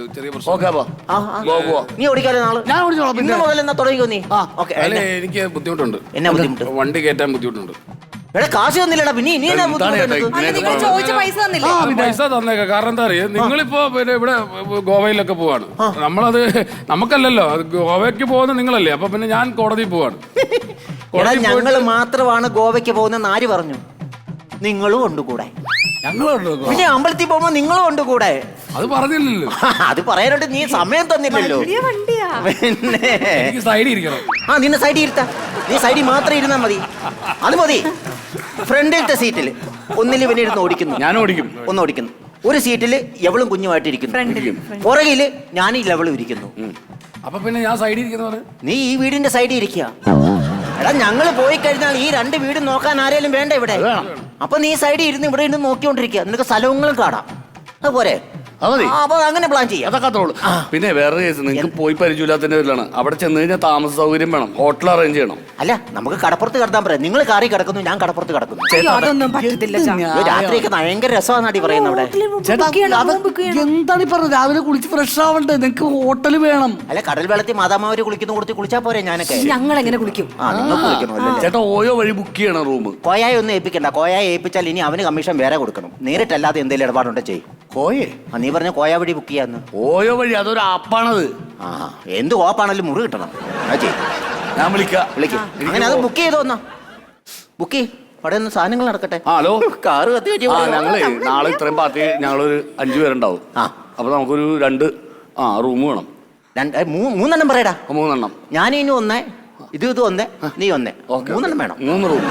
[SPEAKER 3] നീ ഓടിക്കാലോ നാളെ? ഞാൻ ഓടിച്ചോളാം. പിന്നെ മുതൽ എന്നാ തുടങ്ങിക്കോ നീ?
[SPEAKER 2] എനിക്ക് ബുദ്ധിമുട്ടുണ്ട്.
[SPEAKER 3] എന്നാ ബുദ്ധിമുട്ട്?
[SPEAKER 2] വണ്ടി കയറ്റാൻ ബുദ്ധിമുട്ടുണ്ട്.
[SPEAKER 3] എടാ കാശ് തന്നില്ലടാ പിന്നെ ഇനി എന്നാ
[SPEAKER 5] എന്താണ് ചേട്ടാ
[SPEAKER 3] ബുദ്ധിമുട്ട്
[SPEAKER 4] അല്ല
[SPEAKER 5] ഇങ്ങനെ
[SPEAKER 4] നിങ്ങൾ ചോദിച്ച പൈസ തന്നില്ലേ
[SPEAKER 2] അത് പൈസ തന്നേക്കാം. കാരണം എന്താ അറിയാ, നിങ്ങളിപ്പോ പിന്നെ ഇവിടെ ഗോവയിലൊക്കെ പോവാണ്. നമ്മളത് നമുക്കല്ലല്ലോ, അത് ഗോവയ്ക്ക് പോകുന്ന നിങ്ങളല്ലേ. അപ്പൊ പിന്നെ ഞാൻ കോടതിയിൽ പോവാണ്.
[SPEAKER 3] എടാ ഞങ്ങള് മാത്രമാണ് ഗോവയ്ക്ക് പോകുന്ന ആര് പറഞ്ഞു? നിങ്ങളും ഉണ്ട് കൂടെ.
[SPEAKER 2] ഞങ്ങളുണ്ടോ?
[SPEAKER 3] പിന്നെ അമ്പലത്തിൽ പോകുമ്പോ നിങ്ങളും ഉണ്ട് കൂടെ.
[SPEAKER 2] അത് പറഞ്ഞില്ലല്ലോ.
[SPEAKER 3] അത് പറയാനായിട്ട് നീ സമയം തന്നില്ലല്ലോ.
[SPEAKER 4] വലിയ വണ്ടിയാ.
[SPEAKER 3] പിന്നെ
[SPEAKER 2] എനിക്ക് സൈഡിൽ ഇരിക്കണം.
[SPEAKER 3] ആ നിന്നെ സൈഡിൽ ഇരുത്താ. നീ സൈഡിൽ മാത്രം ഇരുന്നാ മതി. അത് മതി. ഫ്രണ്ടിലത്തെ സീറ്റിൽ ഒന്നിൽ ഇവനെ ഇരുന്ന് ഓടിക്കുന്നു,
[SPEAKER 5] ഞാൻ ഓടിക്കും.
[SPEAKER 3] ഒന്ന് ഓടിക്കുന്നു. ഒരു സീറ്റിൽ എവളും കുഞ്ഞുമായിട്ടിരിക്കുന്നു,
[SPEAKER 4] ഫ്രണ്ടില്
[SPEAKER 3] പുറകില് ഞാൻ ഇവളും ഇരിക്കുന്നു.
[SPEAKER 2] അപ്പൊ പിന്നെ ഞാൻ സൈഡിൽ ഇരിക്കുന്ന പറഞ്ഞ
[SPEAKER 3] നീ ഈ വീടിന്റെ സൈഡിൽ ഇരിക്കുക. എടാ ഞങ്ങള് പോയി കഴിഞ്ഞാൽ ഈ രണ്ട് വീടും നോക്കാൻ ആരേലും വേണ്ട ഇവിടെ. അപ്പൊ നീ സൈഡിൽ ഇരുന്ന് ഇവിടെ ഇരുന്ന് നോക്കിക്കൊണ്ടിരിക്കുക. നിനക്ക് സ്ഥലങ്ങളും കാണാം. അതുപോലെ
[SPEAKER 5] അത് മതി.
[SPEAKER 3] അപ്പൊ അങ്ങനെ പ്ലാൻ ചെയ്യാം.
[SPEAKER 5] അതൊക്കെ അത്രയുള്ളൂ. പിന്നെ വേറെ കേസ്, നിങ്ങൾക്ക് പോയി പരിചയമില്ലാത്തതിന്റെ പേരിലാണ്. അവിടെ ചെന്ന് കഴിഞ്ഞാൽ താമസ സൗകര്യം വേണം, ഹോട്ടൽ അറേഞ്ച് ചെയ്യണം.
[SPEAKER 3] അല്ല നമുക്ക് കടപ്പുറത്ത് കിടത്താൻ പറയാം. നിങ്ങൾ കാറി കിടക്കുന്നു, ഞാൻ കടപ്പുറത്ത് കിടക്കുന്നു.
[SPEAKER 4] അയ്യോ, അതൊന്നും പറ്റത്തില്ല ചാ.
[SPEAKER 3] ഇത് രാത്രിയൊക്കെ ഭയങ്കര രസമാണെന്നാടി പറയുന്നത് അവിടെ.
[SPEAKER 5] ചേട്ടാ അത് എന്താണ് ഈ പറഞ്ഞത്? രാവിലെ കുളിച്ച് ഫ്രഷ് ആവണ്ടേ? നിങ്ങൾക്ക് ഹോട്ടൽ വേണം.
[SPEAKER 3] അല്ല കടൽ വെള്ളത്തിൽ മാതാമാവര് കുളിക്കുന്ന കൊടുത്ത് കുളിച്ചാ പോരെ ഞാനൊക്കെ.
[SPEAKER 4] ഞങ്ങൾ എങ്ങനെ കുളിക്കും?
[SPEAKER 3] ആ നിങ്ങൾ കുളിക്കണമല്ലോ.
[SPEAKER 5] ചേട്ടാ ഓയോ വഴി ബുക്ക് ചെയ്യണം റൂം.
[SPEAKER 3] കോയായി ഒന്നും ഏൽപ്പിക്കണ്ട. കോയായി ഏൽപ്പിച്ചാൽ ഇനി അവന് കമ്മീഷൻ വേറെ കൊടുക്കണം. നേരിട്ടല്ലാതെ എന്തെങ്കിലും ഇടപാടുണ്ടോ ചെയ്യും.
[SPEAKER 5] കോയേ
[SPEAKER 3] ആ നീ പറഞ്ഞ കോയ വഴി ബുക്ക് ചെയ്യാന്ന്.
[SPEAKER 5] ഓയോ വഴി അതൊരു ആപ്പാണത്.
[SPEAKER 3] ആ എന്ത് കോപ്പാണെങ്കിലും മുറി കിട്ടണം. അത് ചെയ്യും.
[SPEAKER 5] ഞാൻ വിളിക്കാം.
[SPEAKER 3] വിളിക്കും. അങ്ങനെ അത് ബുക്ക് ചെയ്തോ എന്നാ. ബുക്ക് ചെയ്യും. അവിടെ നിന്ന് സാധനങ്ങൾ നടക്കട്ടെ.
[SPEAKER 5] ആ ഹലോ,
[SPEAKER 3] കാറ് കത്തി
[SPEAKER 5] ആ ഞങ്ങളേ നാളെ ഇത്രയും പാർട്ടി ഞങ്ങളൊരു അഞ്ചു പേരുണ്ടാവും.
[SPEAKER 3] ആ
[SPEAKER 5] അപ്പൊ നമുക്കൊരു രണ്ട് ആ റൂം വേണം.
[SPEAKER 3] രണ്ട് മൂ- മൂന്നെണ്ണം പറയടാ.
[SPEAKER 5] മൂന്നെണ്ണം.
[SPEAKER 3] ഞാൻ ഇനി ഒന്നേ, ഇത് ഇത് ഒന്നേ, നീ ഒന്നേ. മൂന്നെണ്ണം വേണം.
[SPEAKER 5] മൂന്ന് റൂം.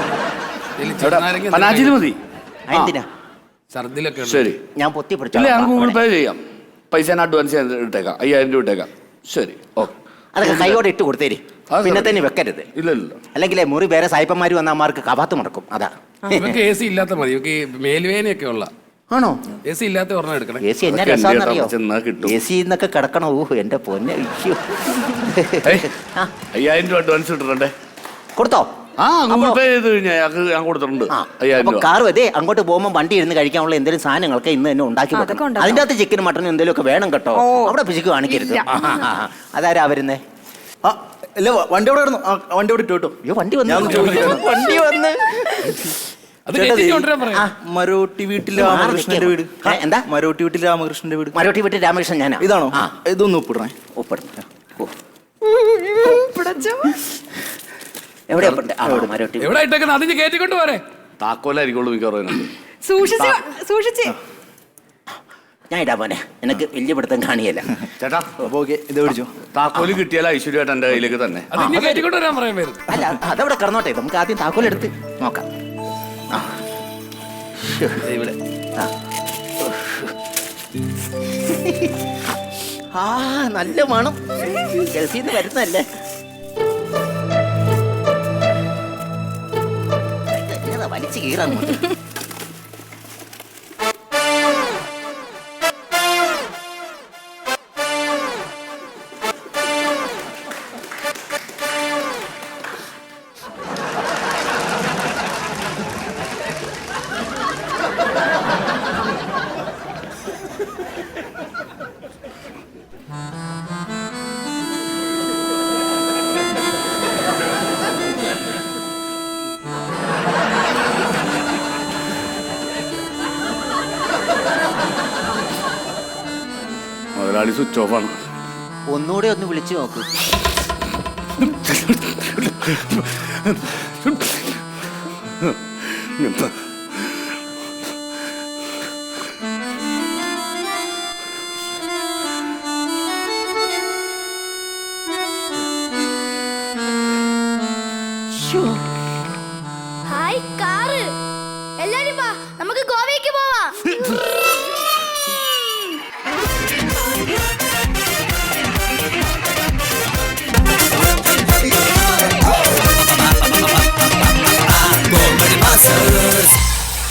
[SPEAKER 5] പനാജിയിൽ മതി.
[SPEAKER 3] എന്തിനാ?
[SPEAKER 2] ഛർദിലൊക്കെ ഉണ്ട്.
[SPEAKER 5] ശരി.
[SPEAKER 3] ഞാൻ പൊത്തി
[SPEAKER 5] ഇല്ല ഞാൻ ഗൂഗിൾ
[SPEAKER 3] പിടിച്ചു.
[SPEAKER 5] പേ ചെയ്യാം. പൈസ ഞാൻ അഡ്വാൻസ് ചെയ്യാൻ ഇട്ടേക്കാം. അയ്യായിരം രൂപ ഇട്ടേക്കാം. ശരി ഓക്കെ.
[SPEAKER 3] അതൊക്കെ കൈയോടെ ഇട്ട് കൊടുത്തേര്.
[SPEAKER 5] അത്
[SPEAKER 3] പിന്നെ തന്നെ വെക്കരുത്.
[SPEAKER 5] ഇല്ല ഇല്ല.
[SPEAKER 3] അല്ലെങ്കിലേ മുറി വേറെ സായിപ്പന്മാര് വന്ന അമ്മമാർക്ക് കവാത്ത് മുടക്കും. അതാ.
[SPEAKER 2] ഇവക്ക് എ സി ഇല്ലാത്ത മതി. ഇവക്ക് മേൽവേനയൊക്കെ ഉള്ള
[SPEAKER 3] ആണോ?
[SPEAKER 2] എ സി ഇല്ലാത്ത ഒരെണ്ണം എടുക്കണം.
[SPEAKER 3] എ സി എന്നാ
[SPEAKER 5] അതൊക്കെ
[SPEAKER 3] രസാന്നറിയോ?
[SPEAKER 5] എന്ത് ചെന്നാ കിട്ടും.
[SPEAKER 3] എ സി എന്നൊക്കെ കിടക്കണോ? ഊഹ് എന്റെ പൊന്നെ. അയ്യോ.
[SPEAKER 5] ഏയ്,
[SPEAKER 3] ആ,
[SPEAKER 5] അയ്യായിരം രൂപ അഡ്വാൻസ് ഇട്ടിട്ടുണ്ടേ.
[SPEAKER 3] കൊടുത്തോ?
[SPEAKER 5] ആ ഗൂഗിൾ പേ ചെയ്ത് കഴിഞ്ഞാൽ ഞങ്ങൾക്ക് ഞാൻ കൊടുത്തിട്ടുണ്ട്
[SPEAKER 3] ആ,
[SPEAKER 5] അയ്യായിരം
[SPEAKER 3] അപ്പൊ
[SPEAKER 5] രൂപ.
[SPEAKER 3] കാറ് അതെ അങ്ങോട്ട് പോകുമ്പോൾ വണ്ടി ഇരുന്ന് കഴിക്കാനുള്ള എന്തെങ്കിലും സാധനങ്ങളൊക്കെ ഇന്ന് തന്നെ ഉണ്ടാക്കി
[SPEAKER 4] അതൊക്കെ
[SPEAKER 3] വെക്കണം.
[SPEAKER 4] ഉണ്ടാക്കാം.
[SPEAKER 3] അതിന്റെ അകത്ത് ചിക്കനും മട്ടനും എന്തെങ്കിലും ഒക്കെ വേണം കേട്ടോ.
[SPEAKER 4] ഓ.
[SPEAKER 3] അവിടെ പിശുക്ക് കാണിക്കരുത്.
[SPEAKER 4] ഇല്ല.
[SPEAKER 3] ആ, ആ, ആ. അതാരാ വരുന്നേ?
[SPEAKER 6] ആ ഇല്ല വണ്ടി അവിടെ കിടന്നു. ആ, വണ്ടി അവിടെ ഇട്ടു കേട്ടോ.
[SPEAKER 3] അയ്യോ വണ്ടി വന്നു.
[SPEAKER 6] ഞാൻ ചോദിക്കാം.
[SPEAKER 3] വണ്ടി വന്ന്
[SPEAKER 2] അത്
[SPEAKER 6] ചേട്ടാ,
[SPEAKER 2] കയറ്റി
[SPEAKER 6] ദേ,
[SPEAKER 2] കൊണ്ടുവരാൻ പറയാം.
[SPEAKER 3] ആ,
[SPEAKER 6] മരോട്ടി വീട്ടിൽ
[SPEAKER 3] ഇത് മാറി
[SPEAKER 6] രാമകൃഷ്ണന്റെ വീട്.
[SPEAKER 3] നിൽക്കാം. ഏ, എന്താ?
[SPEAKER 6] മരോട്ടി വീട്ടിൽ രാമകൃഷ്ണന്റെ വീട്.
[SPEAKER 3] മരോട്ടി വീട്ടിൽ രാമകൃഷ്ണൻ ഞാനാ.
[SPEAKER 6] ഇതാണോ?
[SPEAKER 3] ആ,
[SPEAKER 6] ഇതൊന്ന് ഒപ്പിടണേ.
[SPEAKER 3] ഒപ്പിടും. ഓ.
[SPEAKER 4] പിടച്ചോ.
[SPEAKER 3] എവിടെ ഒപ്പിടണ്ടേ? ആ, അവിടെ മരോട്ടി വീട്.
[SPEAKER 2] എവിടെ ഇട്ടേക്കുന്നത്? അതിന് കയറ്റിക്കൊണ്ട് പോരെ.
[SPEAKER 5] താക്കോലായിരിക്കുള്ളൂ മിക്കവാറും.
[SPEAKER 4] സൂക്ഷിച്ച് സൂക്ഷിച്ച്.
[SPEAKER 3] ഞാൻ ഇടാ പോനെ. എനിക്ക് വലിയ പിടുത്തം കാണിയല്ല.
[SPEAKER 5] ചേട്ടാ
[SPEAKER 6] അപ്പൊ ഓക്കെ ഇത് പിടിച്ചോ.
[SPEAKER 5] താക്കോല് കിട്ടിയാൽ ഐശ്വര്യമായിട്ട് എന്റെ കയ്യിലേക്ക് തന്നെ.
[SPEAKER 2] അത് ഇനി കയറ്റിക്കൊണ്ട് വരാൻ പറയാൻ പേര്.
[SPEAKER 3] അല്ല അതവിടെ കിടന്നോട്ടെ. നമുക്ക് ആദ്യം താക്കോലെടുത്ത് നോക്കാം. ആ.
[SPEAKER 5] ദേ ഇവിടെ.
[SPEAKER 3] ആ. ആ നല്ല മണം. ഗൾഫിന്ന് വരുന്നല്ലേ. എന്നതാ വലിച്ചു കീറാൻ.
[SPEAKER 5] മുതലാളി സ്വിച്ച് ഓഫ് ആണ്.
[SPEAKER 3] ഒന്നുകൂടെ ഒന്ന് വിളിച്ചു നോക്കൂ.
[SPEAKER 7] ഹായ് കാറ് എല്ലാരും വാ നമുക്ക് ഗോവയ്ക്ക് പോവാം